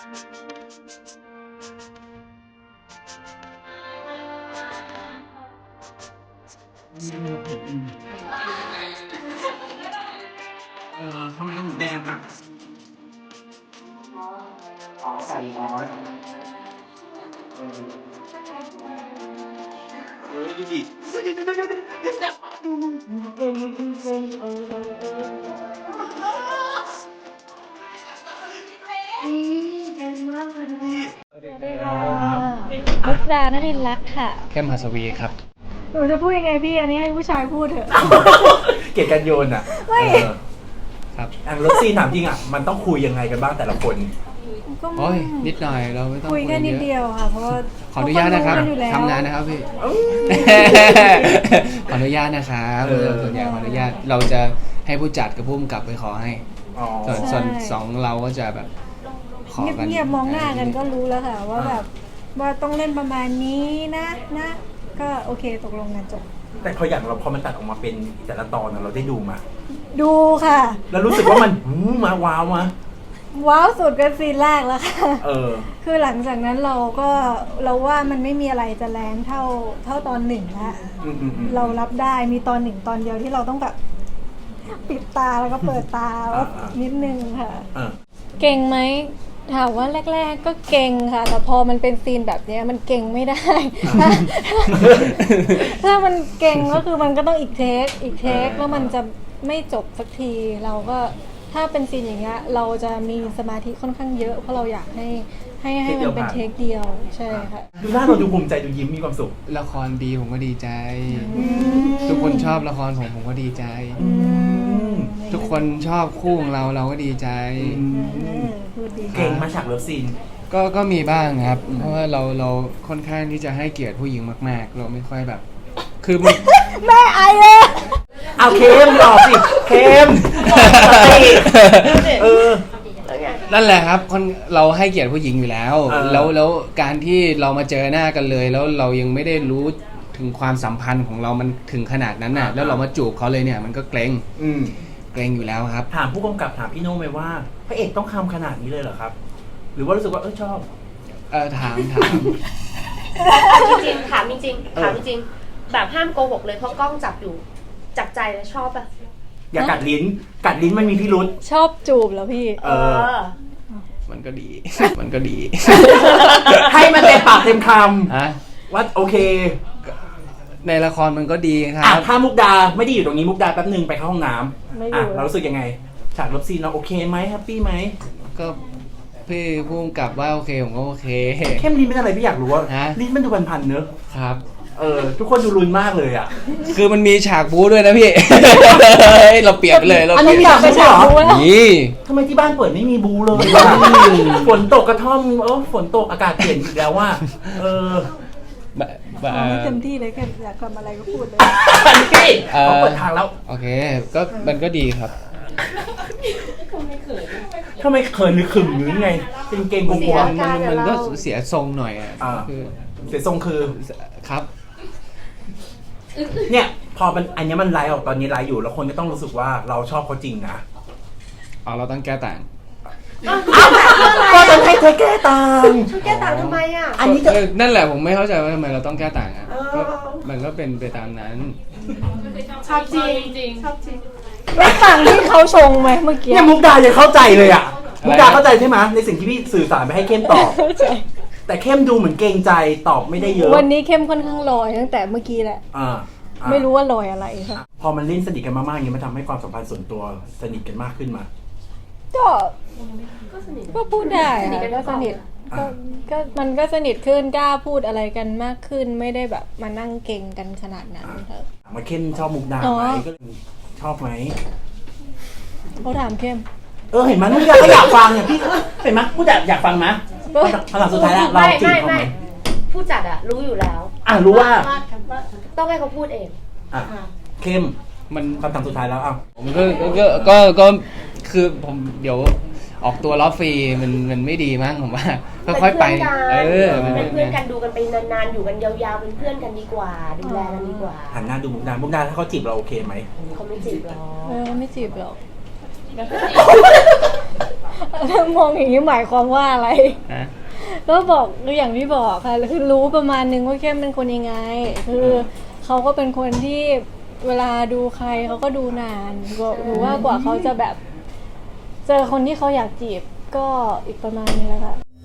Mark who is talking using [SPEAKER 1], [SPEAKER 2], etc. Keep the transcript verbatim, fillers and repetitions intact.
[SPEAKER 1] เออทำไมหมูแดงอ่ะอ๋อใส่ร้อนเออเออดูดิ
[SPEAKER 2] มุกดานรินทร์รักค่ะ
[SPEAKER 3] เข้มหัสวีครับ
[SPEAKER 2] หนูจะพูดยังไงพี่อันนี้ให้ผู้ชายพูดเถอะ
[SPEAKER 1] เกลียดกันโยนอ่ะไม่
[SPEAKER 3] ครับ
[SPEAKER 1] อันรถซีถามจริงอ่ะมันต้องคุยยังไงกันบ้างแต่ละคน
[SPEAKER 3] โอ้ยนิดหน่อยเราไม่ต้อง
[SPEAKER 2] คุยแค่นิดเดียวค่ะเพราะว่า
[SPEAKER 3] ขออนุญาตนะครับทำงานนะครับพี่ขออนุญาตนะครับส่วนใหญ่ขออนุญาตเราจะให้ผู้จัดกับผู้กำกับไปขอให้ส่วนส่วนสองเราก็จะแบบขอกัน
[SPEAKER 2] เงียบๆมองหน้ากันก็รู้แล้วค่ะว่าแบบว่าต้องเล่นประมาณนี้นะนะก็โอเคตกลงกันจบ
[SPEAKER 1] แต่พออย่างเราพอมันตัดออกมาเป็นแต่ละตอนเราได้ดูมา
[SPEAKER 2] ดูค่ะ
[SPEAKER 1] แล้วรู้สึกว่ามันมาว้าวมา
[SPEAKER 2] ว้าวสุดก็ซีนแรกแล้วค่ะ
[SPEAKER 1] เออ
[SPEAKER 2] คือหลังจากนั้นเราก็เราว่ามันไม่มีอะไรจะแรงเท่าเท่าตอนหนึ่งละเรารับได้มีตอนหนึ่งตอนเดียวที่เราต้องแบบปิดตาแล้วก็เปิดตาว่านิดนึงค่ะเก่งไหมถามว่าแรกๆก็เก่งค่ะแต่พอมันเป็นซีนแบบนี้มันเก่งไม่ได้ถ้ามันเก่งก็คือมันก็ต้องอีกเทคอีกเทคแล้วมันจะไม่จบสักทีเราก็ถ้าเป็นซีนอย่างเงี้ยเราจะมีสมาธิค่อนข้างเยอะเพราะเราอยากให้ให้ให้มันเป็นเทคเดียวใช่ค่ะ
[SPEAKER 1] ดูหน้าเราดูภูมิใจดูยิ้มมีความสุข
[SPEAKER 3] ละครดีผมก็ดีใจทุกคนชอบละครผมผมก็ดีใจทุกคนชอบคู่ของเราเราก็ดีใจ
[SPEAKER 1] เก่งมาฉากเลิฟซีน
[SPEAKER 3] ก็ก็มีบ้างครับเพราะว่าเราเราค่อนข้างที่จะให้เกียรติผู้หญิงมากๆเราไม่ค่อยแบบคือ
[SPEAKER 2] แม่ไอเลย
[SPEAKER 1] เอาเค็มหลอกสิเค็มเออ
[SPEAKER 3] นั่นแหละครับคนเราให้เกียรติผู้หญิงอยู่แล้วแล้วแล้วการที่เรามาเจอหน้ากันเลยแล้วเรายังไม่ได้รู้ถึงความสัมพันธ์ของเรามันถึงขนาดนั้นน่ะแล้วเรามาจูบเขาเลยเนี่ยมันก็เกรงเกรงอยู่แล้วครับ
[SPEAKER 1] ถามผู้กำกับถามพี่โน้ไหมว่าพระเอกต้องทำขนาดนี้เลยเหรอครับหรือว่ารู้สึกว่าเออชอบ
[SPEAKER 3] เออถามถาม
[SPEAKER 4] จริงๆถามจริงๆถามจริงๆแบบห้ามโกหกเลยเพราะกล้องจับอยู่จับใจแล้วชอบอะ
[SPEAKER 1] อย่ากัดลิ้นกัดลิ้นมันมีพิรุธ
[SPEAKER 2] ชอบจูบแล้วพี่
[SPEAKER 1] เออ
[SPEAKER 3] มันก็ดีมันก็ดี
[SPEAKER 1] ให้มันเต็มปากเต็มคำว่าโอเค
[SPEAKER 3] ในละครมันก็ดีครับ
[SPEAKER 1] ถ้ามุกดาไม่ได้อยู่ตรงนี้มุกดาแป๊บนึงไปเข้าห้องน้ำอ่ะเรารู้สึกยังไงฉากรบซีนเราโอเคไหมแฮปปี้ไหม
[SPEAKER 3] ก็พี่พุ่งกลับว่าโอเคผมก็โอเค
[SPEAKER 1] เข้มลิ้นเป็นอะไรพี่อยากรู้ว่าลิ้นมันดูพันๆเนอะ
[SPEAKER 3] ครับ
[SPEAKER 1] เออทุกคนดูรุนมากเลยอ่ะ
[SPEAKER 3] คือมันมีฉากบู๊ด้วยนะพี่เราเปรียบเลยเรา
[SPEAKER 1] อันนี้อยากไปฉากบู๊
[SPEAKER 3] นี่
[SPEAKER 1] ทำไมที่บ้านเปิดไม่มีบู๊เลยฝนตกกระท่อมเออฝนตกอากาศเปลี่ยนอีกแล้วว่าเออ
[SPEAKER 2] ไม่เต็มที่เลยแค่อยากทำอะไรก็พูดเลย
[SPEAKER 1] พี่เขาเปิดทางแล้ว
[SPEAKER 3] โอเคก็มันก็ดีครับ
[SPEAKER 1] ทำไมเขินหรือขึมหรือไงเป็นเกงกลัว
[SPEAKER 3] มันมันก็เสียทรงหน่อยอ่ะ
[SPEAKER 1] คือเสียทรงคือ
[SPEAKER 3] ครับ
[SPEAKER 1] เนี่ยพอมันอันนี้มันไลฟ์ออกตอนนี้ไลฟ์อยู่แล้วคนก็ต้องรู้สึกว่าเราชอบเขาจริงนะ
[SPEAKER 3] อ๋อเราต้องแก้ต่าง
[SPEAKER 1] ก็ต้องให้เธอแก้ต่าง
[SPEAKER 4] ช่วยแก้ต่างทำไมอ่ะ
[SPEAKER 3] อันนี้นั่นแหละผมไม่เข้าใจว่าทำไมเราต้องแก้ต่างอ่ะมันก็เป็นไปตามนั้น
[SPEAKER 4] ชอบจริงจริงชอบจริง
[SPEAKER 2] ไม่ต่างที่เขาชงไหมเมื่อกี้
[SPEAKER 1] เนี่ยมุกดายังเข้าใจเลยอ่ะมุกดาเข้าใจใช่ไหมในสิ่งที่พี่สื่อสารไปให้เข้มตอบแต่เข้มดูเหมือนเกรงใจตอบไม่ได้เยอะ
[SPEAKER 2] วันนี้เข้มค่อนข้างลอยตั้งแต่เมื่อกี้แหละไม่รู้ว่าลอยอะไรค่ะ
[SPEAKER 1] พอมันเล่นสนิทกันมากๆอย่างนี้มันทำให้ความสัมพันธ์ส่วนตัวสนิทกันมากขึ้นมา
[SPEAKER 2] ก็ก็พูดได้ก็สนิทก็ก็มันก็สนิทขึ้นกล้าพูดอะไรกันมากขึ้นไม่ได้แบบมานั่งเก่งกันขนาดนั้นค่ะ
[SPEAKER 1] มาเข้มชอบมุกดาไหมก็ชอบไหม
[SPEAKER 2] เขาถามเข้ม
[SPEAKER 1] เออเห็นไหมมุกดาก็อยากฟังเนี่ยพี่เห็นไหมผู้จัดอยากฟังไหมคำถามสุดท้ายแล้วเราจีบเขาไหม
[SPEAKER 4] ผู้จัดอะรู้อยู่แล้ว
[SPEAKER 1] อ่ะรู้ว่า
[SPEAKER 4] ต้องให้เขาพูดเอง
[SPEAKER 1] อ่ะเข้มมันคำถามสุดท้ายแล้วอ่ะ
[SPEAKER 3] ผมก็ก็ก็ก็คือผมเดี๋ยวออกตัวล้อฟรีมันมันไม่ดีมั้งผมว่าค่อยๆไป
[SPEAKER 4] เออเป็นเพื่อนกันดูกันไปนานๆอยู่กันยาวๆเป็นเพื่อนกันดีกว่าดูแลกันดีกว่า
[SPEAKER 1] หันหน้าดูมุกดามุกดาถ้าเขาจีบเราโอเคไหม
[SPEAKER 4] เขาไม่จีบหรอก
[SPEAKER 2] เออไม่จีบหรอกมองอย่างนี้หมายความว่าอะไร
[SPEAKER 3] ฮะ
[SPEAKER 2] ก็บอกอย่างที่บอกค่ะคือรู้ประมาณนึงว่าเข้มเป็นคนยังไง คือเขาก็เป็นคนที่เวลาดูใครเขาก็ดูนานหรือว่ากว่าเขาจะแบบ เจอคนที่เขาอยากจีบก็อีกประมาณนึงแล้วค่ะ